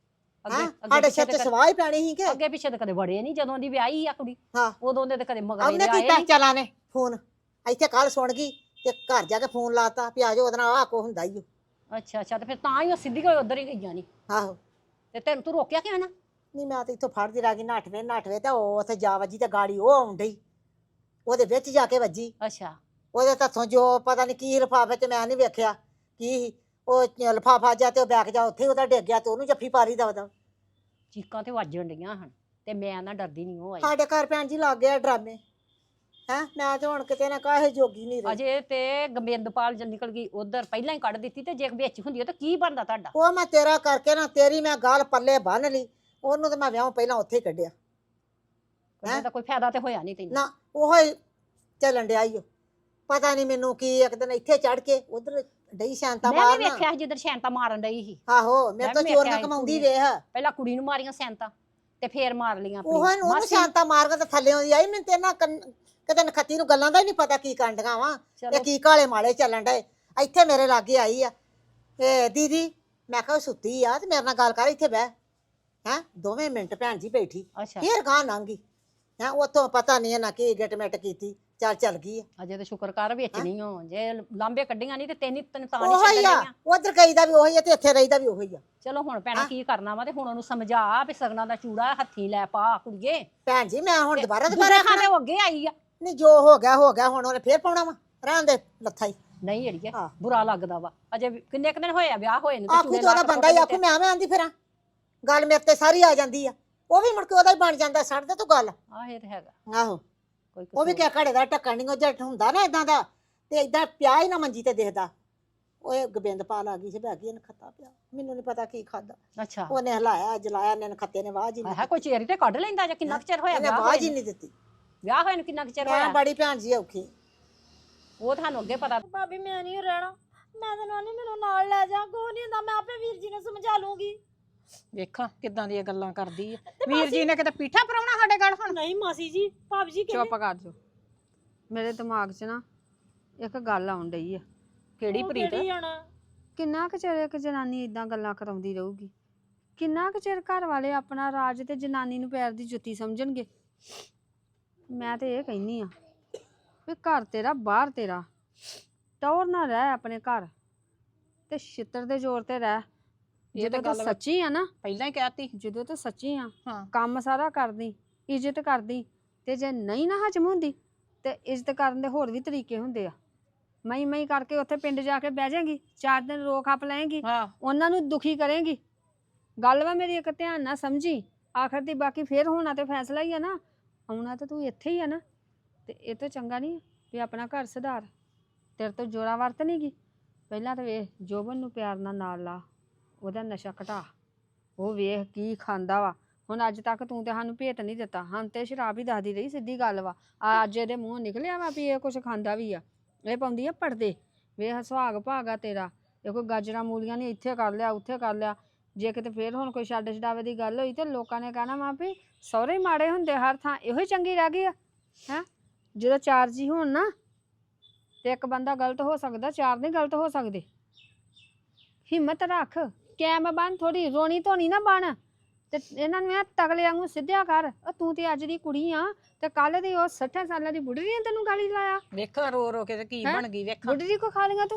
D: ਸਾਡੇ ਸਿਰ ਤੇ ਸਵਾਹ ਹੀ ਪੈਣੀ ਸੀ ਕਿ
A: ਅੱਗੇ ਪਿੱਛੇ ਤਾਂ ਕਦੇ ਵੜੇ ਨਹੀਂ। ਜਦੋਂ ਦੀ ਵਿਆਹੀ ਆ ਕੁੜੀ
D: ਹਾਂ
A: ਉਦੋਂ ਦੇ ਤੇ ਕਦੇ ਮਗਰ
D: ਉਹਨੇ
A: ਨਹੀਂ
D: ਕੀਤਾ
A: ਆਏ।
D: ਚਲਾ ਨੇ ਫੋਨ ਇੱਥੇ ਕੱਲ ਸੁਣ ਗਈ ਤੇ ਘਰ ਜਾ ਕੇ ਫੋਨ ਲਾਤਾ ਵੀ ਆ ਜਾਓ, ਉਹਦੇ ਨਾਲ ਆਹ ਕੋ ਹੁੰਦਾ ਹੀ।
A: ਅੱਛਾ ਅੱਛਾ, ਤੇ ਫਿਰ ਤਾਂ ਹੀ ਉਹ ਸਿੱਧੀ ਕੋਈ ਉਧਰ ਹੀ ਗਈਆਂ ਨਹੀਂ।
D: ਆਹੋ
A: ਤੇ ਤੈਨੂੰ ਤੂੰ ਰੋਕਿਆ ਕਿਉਂ ਨਾ?
D: ਨਹੀਂ ਮੈਂ ਤਾਂ ਇੱਥੋਂ ਫੜਦੀ ਰਹਿ ਗਈ, ਨੱਠਵੇ ਤੇ ਉਹ ਉੱਥੇ ਜਾ ਵੱਜੀ ਤੇ ਗਾੜੀ ਉਹ ਆਉਣ ਡਈ, ਉਹਦੇ ਵਿੱਚ ਜਾ ਕੇ ਵੱਜੀ।
A: ਅੱਛਾ,
D: ਉਹਦੇ ਹੱਥੋਂ ਜੋ ਪਤਾ ਨਹੀਂ ਕੀ ਲਿਫਾਫੇ ਚ, ਮੈਂ ਨਹੀਂ ਵੇਖਿਆ ਕੀ ਸੀ। ਉਹ ਲਿਫਾਫਾ ਜਾ ਤੇ ਉਹ ਬੈਗ ਜਾ ਉੱਥੇ ਉਹਦਾ ਡਿੱਗ ਗਿਆ ਤੇ ਉਹਨੂੰ ਜੱਫੀ ਪਾਰੀ ਦਵਦਾ।
A: ਚੀਕਾਂ ਤੇ ਵੱਜਣ ਡੀਆਂ ਹਨ ਤੇ ਮੈਂ ਨਾ ਡਰਦੀ ਨਹੀਂ ਉਹ ਆਈ।
D: ਸਾਡੇ ਘਰ ਭੈਣ ਜੀ ਲੱਗ ਗਿਆ ਡਰਾਮੇ। ਮੈਂ ਤੇ ਹੁਣ ਕਿਤੇ ਨਾ ਕਾਹੇ ਜੋਗੀ ਨਹੀਂ ਰਹੀ।
A: ਅਜੇ ਤੇ ਗੋਬਿੰਦਪਾਲ ਜਦ ਨਿਕਲ ਗਈ ਉਧਰ ਪਹਿਲਾਂ ਹੀ ਕੱਢ ਦਿੱਤੀ, ਤੇ ਜੇ ਵਿੱਚ ਹੁੰਦੀ ਤਾਂ ਕੀ ਬਣਦਾ ਤੁਹਾਡਾ?
D: ਉਹ ਮੈਂ ਤੇਰਾ ਕਰਕੇ ਨਾ ਤੇਰੀ ਮੈਂ ਗੱਲ ਪੱਲੇ ਬੰਨ ਲਈ, ਉਹਨੂੰ ਤੇ ਮੈਂ ਵਿਆਹ ਪਹਿਲਾਂ ਉੱਥੇ ਹੀ ਕੱਢਿਆ।
A: ਤਾਂ ਕੋਈ ਫਾਇਦਾ ਤੇ ਹੋਇਆ ਨਹੀਂ ਤੈਨੂੰ।
D: ਨਾ ਉਹ ਹੀ ਚੱਲਣ ਡਿਆ ਈ ਓ। ਪਤਾ ਨਹੀਂ ਮੈਨੂੰ ਕੀ ਇੱਕ ਦਿਨ ਇੱਥੇ ਚੜ ਕੇ ਉਧਰ ਡਈ ਸ਼ਾਂਤਾ
A: ਮੈਂ ਵੀ
D: ਮਾਰਨਾ।
A: ਵੇਖਿਆ ਜਿੱਧਰ ਸ਼ੈਂਤਾ ਮਾਰਨ ਡਈ ਸੀ।
D: ਆਹੋ ਮੇਰੇ
A: ਮੈਂ
D: ਤੋਂ
A: ਵੀ
D: ਚੋਰੀਆਂ
A: ਵੇਖਿਆ
D: ਕਮਾਉਂਦੀ
A: ਕੁੜੀ।
D: ਵੇਖ।
A: ਪਹਿਲਾਂ ਕੁੜੀ ਨੂੰ ਮਾਰੀਆਂ ਸੈਂਤਾ ਤੇ ਫੇਰ ਮਾਰ ਲੀਆਂ ਆਪਣੀ
D: ਉਹ ਉਹਨੂੰ
A: ਮਾਸੀ।
D: ਸ਼ਾਂਤਾ ਮਾਰ ਕੇ ਤੇ ਥੱਲੇ ਆਉਂਦੀ ਆਈ। ਮੈਨੂੰ ਤੇ ਨਾ ਕਿਤੇ ਨਖੱਤੀ ਨੂੰ ਗੱਲਾਂ ਦਾ ਹੀ ਨਹੀਂ ਪਤਾ ਕੀ ਕਾਂਡੀਆਂ ਵਾ ਤੇ ਕੀ ਕਾਲੇ ਮਾਲੇ ਚੱਲਣ ਡਏ। ਇੱਥੇ ਮੇਰੇ ਲਾਗੇ ਆਈ ਆ ਤੇ ਦੀਦੀ, ਮੈਂ ਕਿਹਾ ਸੁੱਤੀ ਆ ਤੇ ਮੇਰੇ ਨਾਲ ਗੱਲ ਕਰ, ਇੱਥੇ ਬਹਿ। ਦੋਵੇਂ ਮਿੰਟ ਭੈਣ ਜੀ ਬੈਠੀ,
A: ਅੱਛਾ,
D: ਫੇਰ ਗਾਂ ਲੰਘੀ। ਉੱਥੋਂ ਪਤਾ ਨਹੀਂ ਨਾ ਕੀ ਗਿਟਮਿਟ ਕੀਤੀ, ਚੱਲ ਗਈ ਆ।
A: ਅਜੇ ਤੇ ਸ਼ੁਕਰ ਕਰ ਵਿੱਚ ਨਹੀਂ ਹੋ। ਜੇ ਲਾਂਬੇ ਕੱਢੀਆਂ ਨਹੀਂ ਤੇ ਤੈਨੂੰ ਤਾਂ ਨਹੀਂ
D: ਉਹੀ ਆ,
A: ਛੱਡਣੀਆਂ।
D: ਉਧਰ ਗਈ ਦਾ ਵੀ ਉਹੀ ਆ ਤੇ ਇੱਥੇ ਰਹੀ ਦਾ ਵੀ ਉਹੀ ਆ।
A: ਚਲੋ ਹੁਣ ਭੈਣਾ ਕੀ ਕਰਨਾ ਵਾ, ਤੇ ਹੁਣ ਉਹਨੂੰ ਸਮਝਾ ਵੀ ਸਗਨਾਂ ਦਾ ਚੂੜਾ ਹੱਥੀ ਲੈ ਪਾ ਕੁੜੀਏ।
D: ਭੈਣ ਜੀ ਮੈਂ ਹੁਣ ਦੁਬਾਰਾ
A: ਖਾਣੇ ਉਹ ਅੱਗੇ ਆਈ ਆ।
D: ਨਹੀਂ ਜੋ ਹੋ ਗਿਆ ਹੁਣ ਉਹਨੇ ਫੇਰ ਪਾਉਣਾ ਵਾ, ਰਹਿਣ ਦੇ ਲੱਥਾ ਹੀ।
A: ਨਹੀਂ ਅੜੀਏ ਬੁਰਾ ਲੱਗਦਾ ਵਾ। ਅਜੇ ਕਿੰਨੇ ਕੁ ਦਿਨ ਹੋਏ ਆ ਵਿਆਹ ਹੋਏ ਨੂੰ?
D: ਆਖੂ ਤੇ ਉਹਦਾ ਬੰਦਾ ਹੀ ਆਖੂ ਮੈਂ ਆਂਦੀ ਫਿਰਾਂ, ਗੱਲ ਮੇਰੇ ਤੇ ਸਾਰੀ ਆ ਜਾਂਦੀ ਆ। ਉਹ ਵੀ ਮੁੜ ਕੇ ਉਹਦਾ ਹੀ ਬਣ ਜਾਂਦਾ। ਛੱਡ ਦੇ ਤੂੰ ਗੱਲ।
A: ਆਹ ਇਹ ਤੇ ਹੈਗਾ।
D: ਆਹੋ
A: ਕੋਈ
D: ਉਹ ਵੀ ਕਿਆ ਘੜੇ ਦਾ ਢੱਕਣ ਨਹੀਂ, ਉਹ ਜੱਟ ਹੁੰਦਾ ਨਾ ਇਦਾਂ ਦਾ, ਤੇ ਇਦਾਂ ਪਿਆ ਹੀ ਨਾ ਮੰਜੀ ਤੇ ਦੇਖਦਾ। ਉਹ ਗੋਬਿੰਦਪਾਲ ਆ ਗਈ ਸੀ, ਬਹਿ ਗਈ, ਇਹਨੇ ਖੱਤਾ ਪਿਆ, ਮੈਨੂੰ ਨਹੀਂ ਪਤਾ ਕੀ ਖਾਦਾ।
A: ਅੱਛਾ,
D: ਉਹਨੇ ਹਲਾਇਆ ਜਲਾਇਆ, ਇਹਨੇ ਖੱਤੇ ਨੇ ਆਵਾਜ਼ ਹੀ
A: ਹੈ ਕੋਈ ਚੇਰੀ ਤੇ ਕੱਢ ਲੈਂਦਾ ਜਾਂ ਕਿੰਨਾ ਕੁ ਚਿਰ ਹੋਇਆ
D: ਇਹਨੇ
A: ਵਿਆਹ
D: ਆਵਾਜ਼
A: ਹੋਏ
D: ਹੀ ਨਹੀਂ ਦਿੱਤੀ।
A: ਵਿਆਹ ਹੋਏ ਨੂੰ ਕਿੰਨਾ ਕੁ ਚਿਰ
D: ਮੈਂ
A: ਹੋਇਆ?
D: ਬੜੀ ਭੈਣ ਜੀ ਔਖੀ।
A: ਉਹ ਤੁਹਾਨੂੰ ਅੱਗੇ ਪਤਾ।
C: ਭਾਬੀ ਮੈਂ ਨਹੀਂ ਰਹਿਣਾ, ਮੈਂ ਤਾਂ ਨਹੀਂ, ਮੈਨੂੰ ਨਾਲ ਲੈ ਜਾ, ਕੋਈ ਨਹੀਂ ਹੁੰਦਾ, ਮੈਂ ਆਪੇ ਵੀਰ ਜੀ ਨੂੰ ਸਮਝਾ ਲੂੰਗੀ।
A: ਵੇਖਾਂ ਕਿੱਦਾਂ ਦੀਆਂ ਗੱਲਾਂ ਕਰਦੀ ਆ। ਵੀਰ ਜੀ ਨੇ ਕਿਤੇ ਪੀਠਾ ਪਰਾਉਣਾ ਸਾਡੇ ਗੱਲ ਹੁਣ।
C: ਨਹੀਂ ਮਾਸੀ ਜੀ, ਭਾਬੀ ਜੀ ਕਹਿੰਦੇ
B: ਚੁੱਪ ਕਰ ਜੋ। ਮੇਰੇ ਦਿਮਾਗ 'ਚ ਨਾ ਇੱਕ ਗੱਲ ਆਉਣ ਡਈ ਆ।
A: ਕਿਹੜੀ ਪ੍ਰੀਤ?
C: ਕਿਹੜੀ ਆਣਾ?
B: ਕਿੰਨਾ ਕੁ ਚਿਰ ਇੱਕ ਜਨਾਨੀ ਇਦਾਂ ਗੱਲਾਂ ਕਰਾਉਂਦੀ ਰਹੂਗੀ? ਕਿੰਨਾ ਕੁ ਚਿਰ ਘਰ ਵਾਲੇ ਆਪਣਾ ਰਾਜ ਤੇ ਜਨਾਨੀ ਨੂੰ ਪੈਰ ਦੀ ਜੁੱਤੀ ਸਮਝਣਗੇ? ਮੈਂ ਤੇ ਇਹ ਕਹਿੰਨੀ ਆ ਵੀ ਘਰ ਤੇਰਾ ਬਾਹਰ ਤੇਰਾ, ਟੌਰ ਨਾ ਰਹਿ ਆਪਣੇ ਘਰ ਤੇ ਛਿੱਤਰ ਦੇ ਜ਼ੋਰ ਤੇ ਰਹਿ।
A: ਇਹ ਤਾਂ
B: ਜਦੋਂ ਤੂੰ
A: ਗੱਲ
B: ਸੱਚੀ ਆ ਨਾ,
A: ਪਹਿਲਾਂ ਹੀ ਕਹਿਤੀ।
B: ਜਦੋਂ ਤੂੰ ਸੱਚੀ ਆ,
A: ਹਾਂ
B: ਕੰਮ ਸਾਰਾ ਕਰਦੀ, ਇੱਜ਼ਤ ਕਰਦੀ, ਤੇ ਜੇ ਨਹੀਂ ਨਾ ਹਜਮ ਹੁੰਦੀ ਤੇ ਇੱਜ਼ਤ ਕਰਨ ਦੇ ਹੋਰ ਵੀ ਤਰੀਕੇ ਹੁੰਦੇ ਆ। ਮਈ ਕਰਕੇ ਉੱਥੇ ਪਿੰਡ ਜਾ ਕੇ ਬਹਿ ਜਾਏਗੀ, 4 ਦਿਨ ਰੋ ਖੱਪ ਲਏਗੀ,
A: ਹਾਂ
B: ਉਹਨਾਂ ਨੂੰ ਦੁਖੀ ਕਰੇਗੀ। ਗੱਲ ਵਾ ਮੇਰੀ ਇੱਕ ਧਿਆਨ ਨਾਲ ਸਮਝੀ। ਆਖਰ ਦੀ ਬਾਕੀ ਫੇਰ ਹੋਣਾ ਤੇ ਫੈਸਲਾ ਹੀ ਆ ਨਾ, ਆਉਣਾ ਤਾਂ ਤੂੰ ਇੱਥੇ ਹੀ ਆ ਨਾ। ਤੇ ਇਹ ਤੋਂ ਚੰਗਾ ਨਹੀਂ ਵੀ ਆਪਣਾ ਘਰ ਸੁਧਾਰ। ਤੇਰੇ ਤੋਂ ਜੋਰਾ ਵਰਤ ਨਹੀਂ ਗੀ। ਪਹਿਲਾਂ ਤਾਂ ਵੇਖ ਜੋਬਨ ਨੂੰ ਪਿਆਰ ਨਾਲ ਲਾ, ਉਹਦਾ ਨਸ਼ਾ ਘਟਾ, ਉਹ ਵੇਖ ਕੀ ਖਾਂਦਾ ਵਾ। ਹੁਣ ਅੱਜ ਤੱਕ ਤੂੰ ਤੇ ਸਾਨੂੰ ਭੇਤ ਨਹੀਂ ਦਿੱਤਾ, ਹਾਂ ਤੇ ਸ਼ਰਾਬ ਹੀ ਦੱਸਦੀ ਰਹੀ, ਸਿੱਧੀ ਗੱਲ ਵਾ। ਅੱਜ ਇਹਦੇ ਮੂੰਹ ਨਿਕਲਿਆ ਵਾ ਵੀ ਇਹ ਕੁਛ ਖਾਂਦਾ ਵੀ ਆ। ਇਹ ਪਾਉਂਦੀ ਆ ਪਰਦੇ। ਵੇਖ ਸੁਹਾਗ ਭਾਗਾ ਤੇਰਾ। ਇਹ ਕੋਈ ਗਾਜਰਾਂ ਮੂਲੀਆਂ ਨਹੀਂ ਇੱਥੇ ਕਰ ਲਿਆ ਉੱਥੇ ਕਰ ਲਿਆ। ਜੇ ਕਿਤੇ ਫੇਰ ਹੁਣ ਕੋਈ ਛੱਡ ਛਡਾਵੇ ਦੀ ਗੱਲ ਹੋਈ ਤੇ ਲੋਕਾਂ ਨੇ ਕਹਿਣਾ ਵਾ ਵੀ ਸਹੁਰੇ ਮਾੜੇ ਹੁੰਦੇ ਹਰ ਥਾਂ, ਇਹੋ ਹੀ ਚੰਗੀ ਰਹਿ ਗਈ ਆ। ਹੈਂ ਜਦੋਂ 4 ਜੀ ਹੋਣ ਨਾ ਤੇ ਇੱਕ ਬੰਦਾ ਗਲਤ ਹੋ ਸਕਦਾ, 4 ਨਹੀਂ ਗਲਤ ਹੋ ਸਕਦੇ। ਹਿੰਮਤ ਰੱਖ, ਕੈਮ ਬਣ, ਥੋੜੀ ਰੋਣੀ ਧੋਣੀ ਨਾ ਬਣ। ਤੇ ਇਹਨਾਂ ਨੂੰ ਐ ਤਗਲੇ ਵਾਂਗੂ ਸਿੱਧਿਆ ਕਰ। ਤੂੰ ਤੇ ਅੱਜ ਦੀ ਕੁੜੀ ਆ ਤੇ ਕੱਲ ਦੀ ਉਹ 60 ਸਾਲਾਂ ਦੀ ਬੁੱਢੀ ਨੇ ਤੈਨੂੰ ਗਾਲੀ ਲਾਇਆ।
A: ਵੇਖਾਂ ਰੋ ਰੋ ਕੇ ਤੇ ਕੀ ਬਣ ਗਈ। ਵੇਖਾਂ
B: ਬੁੱਢੀ ਕੋ ਖਾ ਲੇਗਾ ਤੂੰ?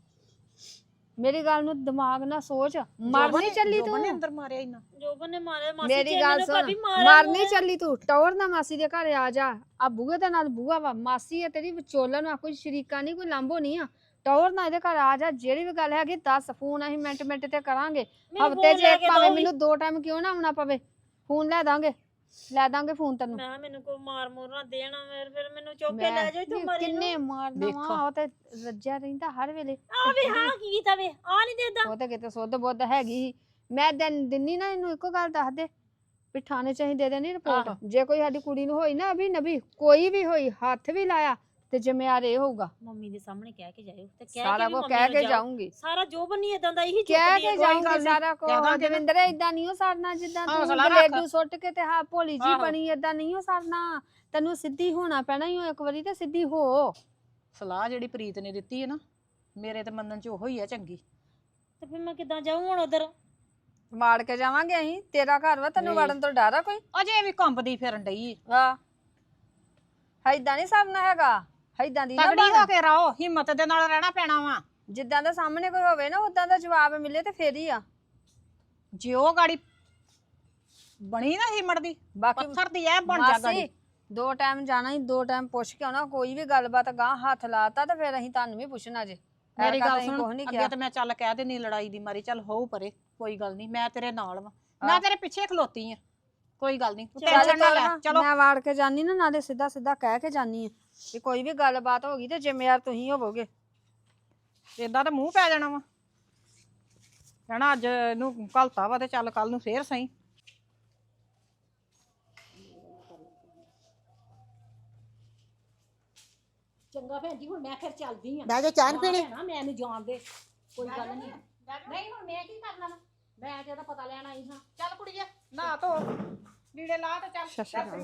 B: ਮੇਰੀ ਗੱਲ ਨੂੰ ਦਿਮਾਗ ਨਾਲ ਸੋਚ। ਮਰਨੀ ਚੱਲੀ
A: ਜੋਬਨ ਨੇ
B: ਤੂੰ?
A: ਅੰਦਰ ਮਾਰਿਆ ਇੰਨਾ?
C: ਜੋਬਨ ਨੇ ਮਾਰਿਆ ਮਾਸੀ ਜੀ,
B: ਮੇਰੀ ਗੱਲ ਸੁਣ, ਮਰਨੀ ਚੱਲੀ ਤੂੰ? ਟੌਰ ਨਾ ਮਾਸੀ ਦੇ ਘਰ ਆ ਜਾ। ਆ ਬੂਹੇ ਦੇ ਨਾਲ ਬੂਹਾ ਵਾ, ਮਾਸੀ ਹੈ ਤੇਰੀ ਵਿਚੋਲਨ ਆ, ਕੋਈ ਸ਼ਰੀਕਾ ਨਹੀਂ, ਕੋਈ ਲਾਂਭੋ ਨਹੀਂ ਆ। ਟੌਰ ਨਾ ਇਹਦੇ ਘਰ ਆ ਜਾ। ਜਿਹੜੀ ਵੀ ਗੱਲ ਹੈਗੀ 10 ਫੋਨ ਅਸੀਂ ਮਿੰਟ ਤੇ ਕਰਾਂਗੇ। ਹਫਤੇ 'ਚ ਇੱਕ, ਭਾਵੇਂ ਮੈਨੂੰ 2 ਟਾਈਮ ਕਿਉਂ ਨਾ ਆਉਣਾ ਪਵੇ, ਫੋਨ ਲੈ ਦਾਂਗੇ ਫੋਨ ਤੈਨੂੰ।
C: ਮੈਂ ਮੈਨੂੰ ਕੋਈ ਮਾਰ ਮੋਰ ਨਾ ਦੇਣਾ, ਫਿਰ ਮੈਨੂੰ ਚੁੱਕ ਕੇ ਲੈ ਜਾਈ ਤੂੰ ਮਰੀ
B: ਕਿੰਨੇ ਮਾਰਨਾ ਵਾ? ਉਹ ਤੇ ਰੱਜਿਆ ਰਹਿੰਦਾ ਹਰ ਵੇਲੇ।
C: ਆ ਵੇ ਹਾਂ ਕੀ ਕੀਤਾ ਵੇ, ਆ ਨਹੀਂ ਦੇਦਾ।
B: ਉਹ ਤੇ ਕਿਤੇ ਸੁੱਧ ਬੁੱਧ ਹੈਗੀ ਸੀ। ਮੈਂ ਦਿੰਨੀ ਨਾ ਇਹਨੂੰ ਇੱਕੋ ਗੱਲ ਦੱਸ ਦੇ ਵੀ ਥਾਣੇ 'ਚ ਅਸੀਂ ਦੇ ਦੇਣੀ ਰਿਪੋਰਟ। ਜੇ ਕੋਈ ਸਾਡੀ ਕੁੜੀ ਨੂੰ ਹੋਈ ਨਾ, ਅਭੀ ਨਬੀ ਕੋਈ ਵੀ ਹੋਈ, ਹੱਥ ਵੀ ਲਾਇਆ ਤੇ ਜ਼ਿੰਮੇਵਾਰ ਇਹ ਹੋਊਗਾ।
C: ਮੰਮੀ ਦੇ ਸਾਹਮਣੇ ਕਹਿ ਕੇ ਜਾਇਓ ਤੇ
B: ਸਾਰਾ ਕੁਝ ਕਹਿ ਕੇ ਜਾਊਂਗੀ।
C: ਸਾਰਾ ਜੋਬਨ ਨਹੀਂ ਇਦਾਂ ਦਾ ਇਹੀ
B: ਕਹਿ ਕੇ ਜਾਊਂਗੀ ਸਾਰਾ ਕੁਝ। ਦਵਿੰਦਰ ਇਦਾਂ ਨਹੀਂ ਹੋ ਸਰਨਾ ਜਿੱਦਾਂ ਤੂੰ ਗਲੇਡੂ ਸੁੱਟ ਕੇ ਤੇ ਹਾਂ ਭੋਲੀ ਜੀ ਬਣੀ, ਇਦਾਂ ਨਹੀਂ ਹੋ ਸਰਨਾ। ਤੈਨੂੰ ਸਿੱਧੀ ਹੋਣਾ ਪੈਣਾ ਹੀ ਇੱਕ ਵਾਰੀ, ਤੇ ਸਿੱਧੀ ਹੋ।
A: ਸਲਾਹ ਜਿਹੜੀ ਪ੍ਰੀਤ ਨੇ ਦਿੱਤੀ ਹੈ ਨਾ, ਮੇਰੇ ਤੇ ਮੰਨਣ ਚ ਉਹੋ ਹੀ ਆ ਚੰਗੀ।
C: ਤੇ ਫਿਰ ਮੈਂ ਕਿੱਦਾਂ ਜਾਊਂ ਹੁਣ ਉਧਰ?
B: ਵਾੜ ਕੇ ਜਾਵਾਂਗੇ ਅਸੀਂ। ਤੇਰਾ ਘਰ ਵਾ, ਤੈਨੂੰ ਵੜਨ ਤੋਂ ਡਰ ਆ ਕੋਈ?
A: ਅਜੇ ਵੀ ਕੰਬਦੀ ਫਿਰਨ ਡਈ।
B: ਵਾਹ, ਏਦਾਂ ਨਹੀਂ ਸਰਨਾ ਹੈਗਾ। ਏਦਾਂ ਦੀ ਨਾ
A: ਤਗੜੀ ਹੋ ਕੇ ਰਹੋ, ਹਿੰਮਤ ਦੇ ਨਾਲ ਰਹਿਣਾ ਪੈਣਾ ਵਾ।
B: ਜਿੱਦਾਂ ਦਾ ਸਾਹਮਣੇ ਕੋਈ ਹੋਵੇ ਨਾ, ਉਦਾਂ ਦਾ ਜਵਾਬ ਮਿਲੇ ਤੇ ਫੇਰ ਹੀ ਆ।
A: ਜੇ ਉਹ ਗਾੜੀ ਬਣੀ ਨਾ ਹਿੰਮਤ ਦੀ,
B: ਬਾਕੀ
A: ਪੱਥਰ ਦੀ ਐ ਬਣ ਜਾ ਗਾੜੀ।
B: 2 ਟਾਈਮ ਜਾਣਾ ਹੀ, 2 ਟਾਈਮ ਪੁੱਛ ਕੇ ਆਉਣਾ। ਕੋਈ ਵੀ ਗੱਲਬਾਤ ਗਾਂ ਹੱਥ ਲਾਤਾ ਤਾਂ ਫਿਰ ਅਸੀਂ ਤੁਹਾਨੂੰ ਵੀ ਪੁੱਛਣਾ ਜੇ।
A: ਮੇਰੀ ਗੱਲ ਸੁਣ, ਅੱਗੇ ਤੇ ਮੈਂ ਚੱਲ ਕਹਿ ਦੇਣੀ ਲੜਾਈ ਦੀ ਮਾਰੀ, ਚੱਲ ਹੋਊ ਪਰੇ, ਕੋਈ ਗੱਲ ਨਹੀਂ, ਮੈਂ ਤੇਰੇ ਨਾਲ ਵਾ, ਮੈਂ ਤੇਰੇ ਪਿੱਛੇ ਖਲੋਤੀ ਆ, ਕੋਈ ਗੱਲ ਨਹੀਂ, ਟੈਨਸ਼ਨ ਨਾ ਲੈ। ਚਲੋ
B: ਮੈਂ ਵਾੜ ਕੇ ਜਾਨੀ ਨਾ, ਨਾਲੇ ਸਿੱਧਾ ਕਹਿ ਕੇ ਜਾਨੀ ਆ ਵੀ ਕੋਈ ਵੀ ਗੱਲਬਾਤ ਹੋ ਗਈ ਤੇ ਜ਼ਿੰਮੇਵਾਰ ਤੁਸੀਂ ਹੋਵੋਗੇ।
A: ਏਦਾਂ ਤਾਂ ਮੂੰਹ ਪੈ ਜਾਣਾ ਵਾ, ਕਹਿਣਾ ਅੱਜ ਇਹਨੂੰ ਘਲਤਾ ਵਾ ਤੇ ਚੱਲ ਕੱਲ ਨੂੰ ਫੇਰ ਸਹੀ।
E: ਚੰਗਾ ਭੈਣ ਜੀ, ਹੁਣ ਮੈਂ ਫਿਰ ਚੱਲਦੀ ਆ।
D: ਬਹਿ ਜਾ, ਚਾਹ ਨੀ ਪੀਣੀ?
E: ਨਾ ਮੈਂ ਇਹਨੂੰ ਜਾਣ ਦੇ, ਕੋਈ ਗੱਲ ਨਹੀਂ। ਨਹੀਂ ਹੁਣ ਮੈਂ ਕੀ ਕਰਨਾ ਵਾ, ਮੈਂ ਤੇ ਇਹਦਾ ਪਤਾ ਲੈਣ ਆਈ ਹਾਂ।
A: ਚੱਲ ਕੁੜੀਏ ਨਹਾ ਧੋ, ਲੀੜੇ ਲਾ ਤੇ ਚੱਲ।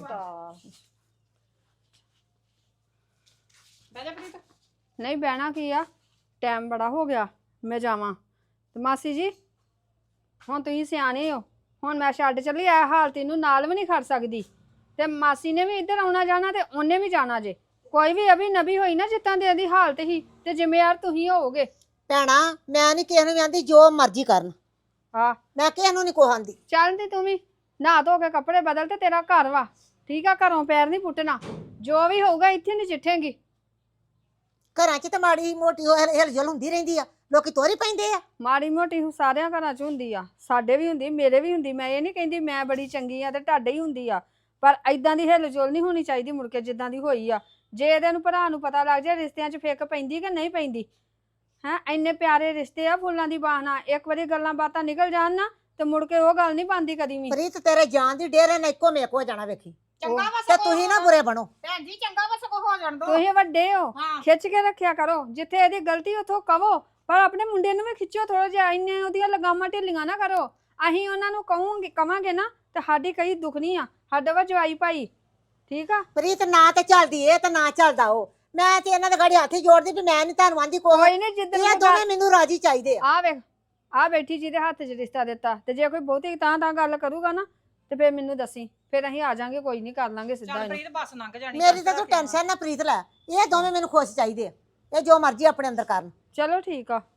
A: ਬਹਿ ਜਾ ਪ੍ਰੀਤ।
B: ਨਹੀਂ ਬਹਿਣਾ ਕੀ ਆ, ਟਾਈਮ ਬੜਾ ਹੋ ਗਿਆ, ਮੈਂ ਜਾਵਾਂ। ਤੇ ਮਾਸੀ ਜੀ ਹੁਣ ਤੁਸੀਂ ਸਿਆਣੇ ਹੋ, ਹੁਣ ਮੈਂ ਛੱਡ ਚੱਲੀ। ਆ ਹਾਲਤ ਇਹਨੂੰ ਨਾਲ ਵੀ ਨਹੀਂ ਖੜ ਸਕਦੀ। ਤੇ ਮਾਸੀ ਨੇ ਵੀ ਇੱਧਰ ਆਉਣਾ ਜਾਣਾ ਤੇ ਉਹਨੇ ਵੀ ਜਾਣਾ ਜੇ। ਕੋਈ ਵੀ ਅਭੀ ਨਬੀ ਹੋਈ ਨਾ ਜਿੱਦਾਂ ਦੀ ਇਹਦੀ ਹਾਲਤ ਹੀ, ਤੇ ਜ਼ਿੰਮੇਵਾਰ ਤੁਸੀਂ ਹੋਵੋਗੇ।
D: ਭੈਣਾ ਮੈਂ ਨਹੀਂ ਕਿਸੇ ਨੂੰ ਵੀ ਆਂਦੀ, ਜੋ ਮਰਜ਼ੀ ਕਰਨ,
B: ਹਾਂ
D: ਮੈਂ ਕਿਸੇ ਨੂੰ ਨਹੀਂ ਕੋਹਾਂਦੀ।
B: ਚੱਲ ਤੇ ਤੂੰ ਵੀ ਨਹਾ ਧੋ ਕੇ ਕੱਪੜੇ ਬਦਲ, ਤੇ ਤੇਰਾ ਘਰ ਵਾ ਠੀਕ ਆ, ਘਰੋਂ ਪੈਰ ਨਹੀਂ ਪੁੱਟਣਾ। ਜੋ ਵੀ ਹੋਊਗਾ ਇੱਥੇ ਨਹੀਂ ਚਿੱਠੇਂਗੀ।
D: ਘਰਾਂ 'ਚ ਤਾਂ ਮਾੜੀ ਮੋਟੀ ਹਿਲਜੁਲ ਹੁੰਦੀ ਰਹਿੰਦੀ ਆ, ਲੋਕੀ ਤੋਰੀ ਪੈਂਦੇ ਆ।
B: ਮਾੜੀ ਮੋਟੀ ਸਾਰਿਆਂ ਘਰਾਂ 'ਚ ਹੁੰਦੀ ਆ, ਸਾਡੇ ਵੀ ਹੁੰਦੀ, ਮੇਰੇ ਵੀ ਹੁੰਦੀ। ਮੈਂ ਇਹ ਨਹੀਂ ਕਹਿੰਦੀ ਮੈਂ ਬੜੀ ਚੰਗੀ ਆ ਤੇ ਤੁਹਾਡੇ ਹੀ ਹੁੰਦੀ ਆ, ਪਰ ਐਦਾਂ ਦੀ ਹਿਲਜੁਲ ਨਹੀਂ ਹੋਣੀ ਚਾਹੀਦੀ ਮੁੜ ਕੇ ਜਿੱਦਾਂ ਦੀ ਹੋਈ ਆ। ਜੇ ਇਹਦੇ ਨੂੰ ਭਰਾ ਨੂੰ ਪਤਾ ਲੱਗ ਜਾਏ ਰਿਸ਼ਤਿਆਂ 'ਚ ਫਿੱਕ ਪੈਂਦੀ ਕਿ ਨਹੀਂ ਪੈਂਦੀ। ਹੈਂ ਇੰਨੇ ਪਿਆਰੇ ਰਿਸ਼ਤੇ ਆ ਫੁੱਲਾਂ ਦੀ ਬਾਹਨਾ, ਇੱਕ ਵਾਰੀ ਗੱਲਾਂ ਬਾਤਾਂ ਨਿਕਲ ਜਾਣ ਨਾ ਤੇ ਮੁੜ ਕੇ ਉਹ ਗੱਲ ਨਹੀਂ ਬਣਦੀ ਕਦੀ ਵੀ।
D: ਪ੍ਰੀਤ ਤੇਰੇ ਜਾਨ ਦੀ ਡੇਰੇ ਨੇ ਇੱਕੋ ਮੇਕ ਹੋ ਜਾਣਾ, ਵੇਖੀ।
E: ਚੰਗਾ ਵਾ
D: ਤੇ
E: ਸਗੋਂ
D: ਤੁਸੀਂ ਨਾ ਬੁਰੇ ਬਣੋ।
E: ਭੈਣ ਜੀ ਚੰਗਾ ਵਾ ਸਗੋਂ ਹੋ ਜਾਣ ਦੋ
B: ਤੁਸੀਂ ਵੱਡੇ ਹੋ,
E: ਹਾਂ
B: ਖਿੱਚ ਕੇ ਰੱਖਿਆ ਕਰੋ। ਜਿੱਥੇ ਇਹਦੀ ਗਲਤੀ ਉੱਥੋਂ ਕਹੋ, ਪਰ ਆਪਣੇ ਮੁੰਡੇ ਨੂੰ ਵੀ ਖਿੱਚੋ ਥੋੜਾ ਜਿਹਾ। ਇੰਨੇ ਉਹਦੀਆਂ ਲਗਾਮਾਂ ਢਿੱਲੀਆਂ ਨਾ ਕਰੋ। ਅਸੀਂ ਉਹਨਾਂ ਨੂੰ ਕਵਾਂਗੇ ਨਾ ਤੇ ਸਾਡੀ ਕਈ ਦੁਖਣੀ ਆ। ਸਾਡਾ ਵਾ ਜਵਾਈ ਭਾਈ, ਠੀਕ ਆ।
D: ਪ੍ਰੀਤ ਨਾ ਤੇ ਚੱਲਦੀ ਇਹ ਤੇ ਨਾ ਚੱਲਦਾ ਉਹ। ਮੈਂ ਤੇ ਇਹਨਾਂ ਦੇ ਗਾੜੀ ਹੱਥ ਹੀ ਜੋੜਦੀ ਵੀ ਮੈਂ ਨਹੀਂ ਤੁਹਾਨੂੰ ਆਂਦੀ ਕੋਈ।
B: ਕੋਈ ਨਹੀਂ, ਜਿੱਦਣ
D: ਇਹ ਦੋਵੇਂ ਮੈਨੂੰ ਰਾਜੀ ਚਾਹੀਦੇ ਆ।
B: ਆ ਵੇਖ, ਆ ਬੈਠੀ ਜਿਹਦੇ ਹੱਥ 'ਚ ਰਿਸ਼ਤਾ ਦਿੱਤਾ, ਤੇ ਜੇ ਕੋਈ ਬਹੁਤੀ ਤਾਂ ਗੱਲ ਕਰੂਗਾ ਨਾ ਤੇ ਫੇਰ ਮੈਨੂੰ ਦੱਸੀ, ਫੇਰ ਅਸੀਂ ਆ ਜਾਾਂਗੇ। ਕੋਈ ਨਹੀਂ, ਕਰ ਲਾਂਗੇ ਸਿੱਧਾ ਇਹਨੂੰ।
E: ਪ੍ਰੀਤ ਬੱਸ ਲੰਘ ਜਾਣੀ
D: ਮੇਰੀ ਤਾਂ ਤੂੰ ਟੈਨਸ਼ਨ ਨਾ ਪ੍ਰੀਤ ਲੈ। ਇਹ ਦੋਵੇਂ ਮੈਨੂੰ ਖੁਸ਼ ਚਾਹੀਦੇ ਆ। ਇਹ ਜੋ ਮਰਜ਼ੀ ਆਪਣੇ ਅੰਦਰ ਕਰਨ।
B: ਚਲੋ ਠੀਕ ਆ।